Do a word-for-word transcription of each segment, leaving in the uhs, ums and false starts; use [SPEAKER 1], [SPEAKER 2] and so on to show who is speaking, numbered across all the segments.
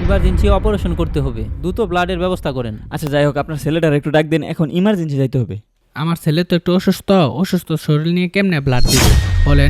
[SPEAKER 1] Emergency operation করতে হবে, দ্রুত ব্লাডের ব্যবস্থা করেন।
[SPEAKER 2] আচ্ছা যাই হোক, আপনার ছেলেটার একটু ডাক দেন, এখন ইমার্জেন্সি যাইতে হবে।
[SPEAKER 3] আমার ছেলে তো একটু অসুস্থ, অসুস্থ শরীর নিয়ে কেমনে ব্লাড দিবে বলেন?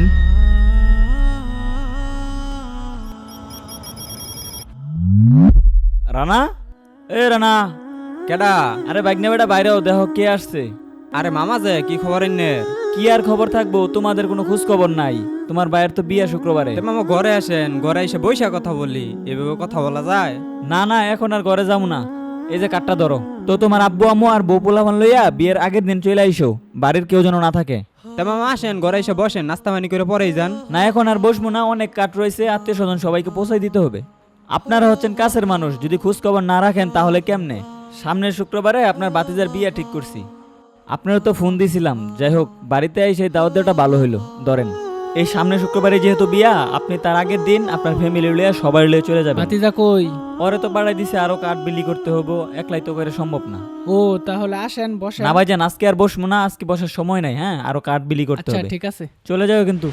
[SPEAKER 2] রানা, এ রানা,
[SPEAKER 4] কেডা?
[SPEAKER 2] আরে বাইক নেবে বাইরেও দেখো কে আসছে।
[SPEAKER 4] আরে মামা যে কি খবর এনে?
[SPEAKER 2] কি আর খবর থাকবো, তোমাদের কোনো খোঁজ খবর নাই। তোমার ভাইয়ের তো বিয়ে শুক্রবারে।
[SPEAKER 4] তে মামা ঘরে আসেন, ঘরে এসে বইসা কথা বলি, এভাবে কথা বলা যায়?
[SPEAKER 2] না না, এখন আর ঘরে যাবো না। এই যে কাঠটা ধরো তো, তোমার আব্বু আম্মু আর বউ পোলাপান লইয়া বিয়ের আগের দিন চলে আইসো, বাড়ির কেউ যেন না থাকে।
[SPEAKER 4] তে মামা আসেন, ঘরে এসে বসেন, নাস্তা পানি করে পরেই যান।
[SPEAKER 2] না এখন আর বসবো না, অনেক কাঠ রয়েছে, আত্মীয় স্বজন সবাইকে পৌঁছাই দিতে হবে। আপনারা হচ্ছেন কাছের মানুষ, যদি খোঁজ খবর না রাখেন তাহলে কেমনে? সামনের শুক্রবারে আপনার বাতিজার বিয়ে ঠিক করছি, আপনারা তো ফোন দিছিলাম। যাই হোক, বাড়িতে এসে দাওয়াত দেওয়াটা ভালো হইলো। ধরেন, এই সামনের শুক্রবারে যেহেতু বিয়া, আপনি তার আগের দিন আপনার ফ্যামিলি লইয়া সবাই লইয়া চলে যাবেন।
[SPEAKER 3] ভাতিজা কই?
[SPEAKER 2] পরে তো বাড়াই দিছে, আরো কাঠ বিলি করতে হবো, একলাই তো করে সম্ভব না।
[SPEAKER 3] ও তাহলে আসেন বসেন।
[SPEAKER 2] না ভাইজান, আজকে আর বসবো না, আজকে বসার সময় নাই। হ্যাঁ, আরো কাঠ বিলি করতে
[SPEAKER 3] আচ্ছা
[SPEAKER 2] হবে।
[SPEAKER 3] ঠিক আছে।
[SPEAKER 2] চলে যাও কিন্তু।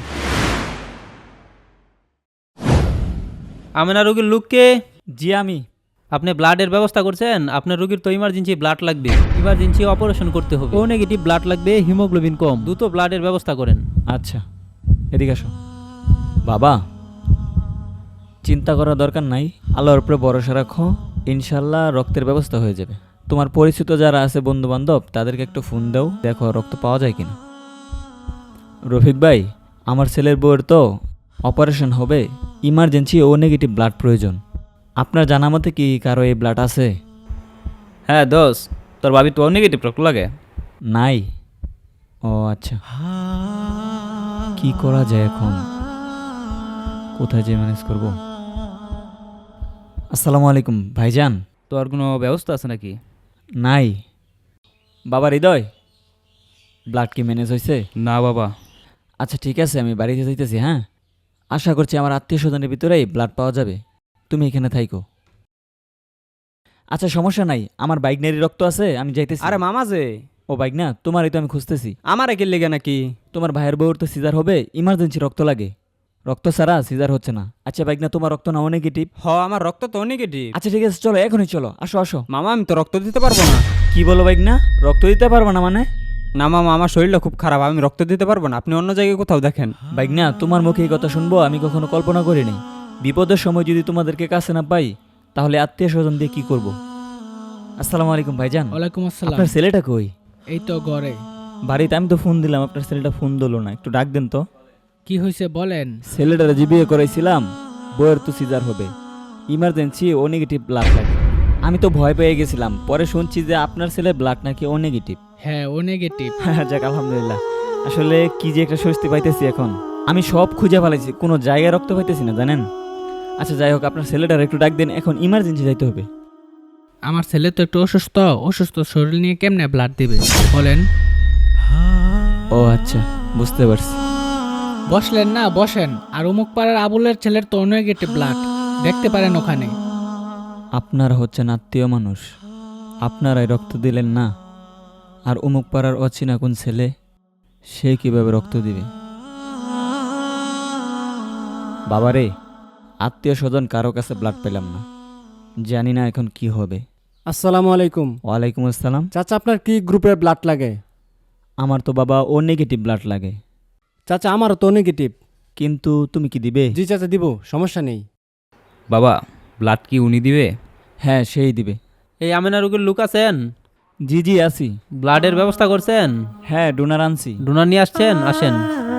[SPEAKER 1] আমেনা রোগীর লোককে?
[SPEAKER 2] জি আমি।
[SPEAKER 1] আপনি ব্লাডের ব্যবস্থা করছেন? আপনার রোগীর তো ইমার্জেন্সি ব্লাড লাগবে, ইমার্জেন্সি অপারেশন করতে হবে, ও নেগেটিভ ব্লাড লাগবে, হিমোগ্লোবিন কম, দ্রুত ব্লাডের ব্যবস্থা করেন।
[SPEAKER 2] আচ্ছা, এদিকে আসো। বাবা, চিন্তা করার দরকার নাই, আল্লাহর উপরে ভরসা রাখো, ইনশাল্লাহ রক্তের ব্যবস্থা হয়ে যাবে। তোমার পরিচিত যারা আছে বন্ধু বান্ধব, তাদেরকে একটু ফোন দাও, দেখো রক্ত পাওয়া যায় কিনা। রফিক ভাই, আমার ছেলের বউয়ের তো অপারেশন হবে, ইমার্জেন্সি ও নেগেটিভ ব্লাড প্রয়োজন। আপনার জানা মতে কি কারো এই ব্লাড আছে?
[SPEAKER 5] হ্যাঁ দোষ, তোর ভাবি তো নেগেটিভ রক্ত লাগে।
[SPEAKER 2] নাই? ও আচ্ছা, কি করা যায় এখন, কোথায় যে ম্যানেজ করব? আসসালামু আলাইকুম ভাইজান।
[SPEAKER 5] তোর কোনো ব্যবস্থা আছে নাকি?
[SPEAKER 2] নাই। বাবা হৃদয়, ব্লাড কি ম্যানেজ হয়েছে?
[SPEAKER 5] না বাবা।
[SPEAKER 2] আচ্ছা ঠিক আছে, আমি বাড়িতে যাইতেছি। হ্যাঁ, আশা করছি আমার আত্মীয় স্বজনের ভিতরেই ব্লাড পাওয়া যাবে, তুমি এখানে থাইকো। আচ্ছা সমস্যা নাই, আমার বাইক নেরি রক্ত আছে, আমি যাইতেছি।
[SPEAKER 4] আরে মামা যে?
[SPEAKER 2] ও বাইক না, তোমারই তো আমি খুঁজতেছি।
[SPEAKER 4] আমার একে লেগে নাকি?
[SPEAKER 2] তোমার ভাইয়ের বউর তো সিজার হবে, ইমার্জেন্সি রক্ত লাগে, রক্ত ছাড়া সিজার হচ্ছে না। আচ্ছা বাইক না, তোমার রক্ত নাও নেগেটিভ?
[SPEAKER 4] হ, আমার রক্ত তো নেগেটিভ।
[SPEAKER 2] আচ্ছা ঠিক আছে, চলো এখনই চলো, আসো আসো।
[SPEAKER 4] মামা আমি তো রক্ত দিতে পারবো না।
[SPEAKER 2] কি বলো বাইক না, রক্ত দিতে পারবো না মানে?
[SPEAKER 4] না মামা, আমার শরীরটা খুব খারাপ, আমি রক্ত দিতে পারবো না, আপনি অন্য জায়গায় কোথাও দেখেন।
[SPEAKER 2] বাইক না, তোমার মুখে এই কথা শুনবো আমি কখনো কল্পনা করিনি। বিপদের সময় যদি তোমাদেরকে কাছে না পাই, তাহলে আত্মীয় স্বজন দিয়ে কি করব? আসসালামু আলাইকুম ভাইজান।
[SPEAKER 3] ওয়ালাইকুম আসসালাম।
[SPEAKER 2] আপনার ছেলেটা কই?
[SPEAKER 3] এই তো ঘরে।
[SPEAKER 2] বাড়িতে আমি তো ফোন দিলাম, আপনার ছেলেটা ফোন দিলো না, একটু ডাক দেন তো।
[SPEAKER 3] কি হয়েছে বলেন?
[SPEAKER 2] ছেলেটারে যে বিয়ে করাইছিলাম, বইয়ের তো সিজার হবে, ইমার্জেন্সি ও নেগেটিভ ব্লাড লাগে। আমি তো ভয় পেয়ে গেছিলাম, পরে শুনছি যে আপনার ছেলে ব্লাড নাকি ও নেগেটিভ।
[SPEAKER 3] হ্যাঁ ও নেগেটিভ।
[SPEAKER 2] যাক আলহামদুলিল্লাহ। আসলে কি যে একটা স্বস্তি পাইতেছি এখন, আমি সব খুঁজে ফেলাইছি, কোনো জায়গায় রক্ত পাইতেছি না জানেন। আচ্ছা যাই হোক, আপনার ছেলেটার একটু ডাক দেন, এখন ইমার্জেন্সি যাইতে হবে।
[SPEAKER 3] আমার ছেলে তো একটু অসুস্থ, অসুস্থ শরীর নিয়ে কেমনে ব্লাড দিবে বলেন?
[SPEAKER 2] ও আচ্ছা, বুঝতে পারছি।
[SPEAKER 3] বসলেন না, বসেন। আর অমুক পাড়ার আবুলের ছেলের তো নেগেটিভ ব্লাড, দেখতে পারেন ওখানে।
[SPEAKER 2] আপনারা হচ্ছেন আত্মীয় মানুষ, আপনারাই রক্ত দিলেন না, আর অমুক পাড়ার অচেনা কোন ছেলে, সে কিভাবে রক্ত দিবে? বাবারে, আত্মীয় স্বজন কারো কাছে ব্লাড পেলাম না, জানি না এখন কি হবে।
[SPEAKER 6] আসসালামু আলাইকুম।
[SPEAKER 2] ওয়ালাইকুম আসসালাম।
[SPEAKER 6] চাচা আপনার কি গ্রুপের ব্লাড লাগে?
[SPEAKER 2] আমার তো বাবা ও নেগেটিভ ব্লাড লাগে।
[SPEAKER 6] চাচা আমারও তো নেগেটিভ।
[SPEAKER 2] কিন্তু তুমি কি দিবে?
[SPEAKER 6] জি চাচা দিব, সমস্যা নেই।
[SPEAKER 5] বাবা ব্লাড কি উনি দিবে?
[SPEAKER 2] হ্যাঁ সেই দিবে।
[SPEAKER 1] এই আমেনা রোগীর লোক আছেন?
[SPEAKER 2] জি জি আছি।
[SPEAKER 1] ব্লাডের ব্যবস্থা করছেন?
[SPEAKER 2] হ্যাঁ ডোনার আনছি।
[SPEAKER 1] ডোনার নিয়ে আসছেন? আসেন।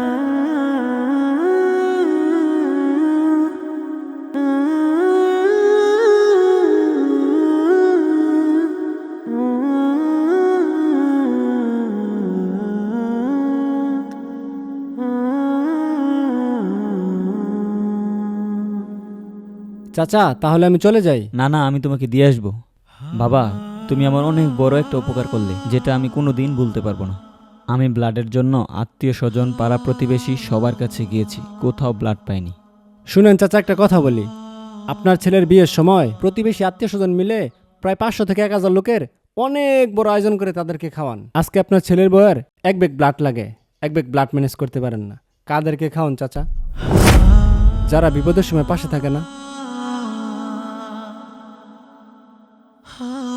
[SPEAKER 6] চাচা তাহলে আমি চলে যাই?
[SPEAKER 2] না না, আমি তোমাকে দিয়ে আসবো। বাবা, তুমি আমার অনেক বড় একটা উপকার করলে, যেটা আমি কোনো দিন ভুলতে পারবো না। আমি ব্লাডের জন্য আত্মীয় স্বজন, পাড়া প্রতিবেশী সবার কাছে গিয়েছি, কোথাও ব্লাড পাইনি।
[SPEAKER 6] শুনেন চাচা, একটা কথা বলি। আপনার ছেলের বিয়ের সময় প্রতিবেশী আত্মীয় স্বজন মিলে প্রায় পাঁচশো থেকে এক হাজার লোকের অনেক বড় আয়োজন করে তাদেরকে খাওয়ান। আজকে আপনার ছেলের বউয়ের এক ব্যাগ ব্লাড লাগে, এক ব্যাগ ব্লাড ম্যানেজ করতে পারেন না, কাদেরকে খাওয়ান চাচা? যারা বিপদের সময় পাশে থাকে না।
[SPEAKER 7] Ah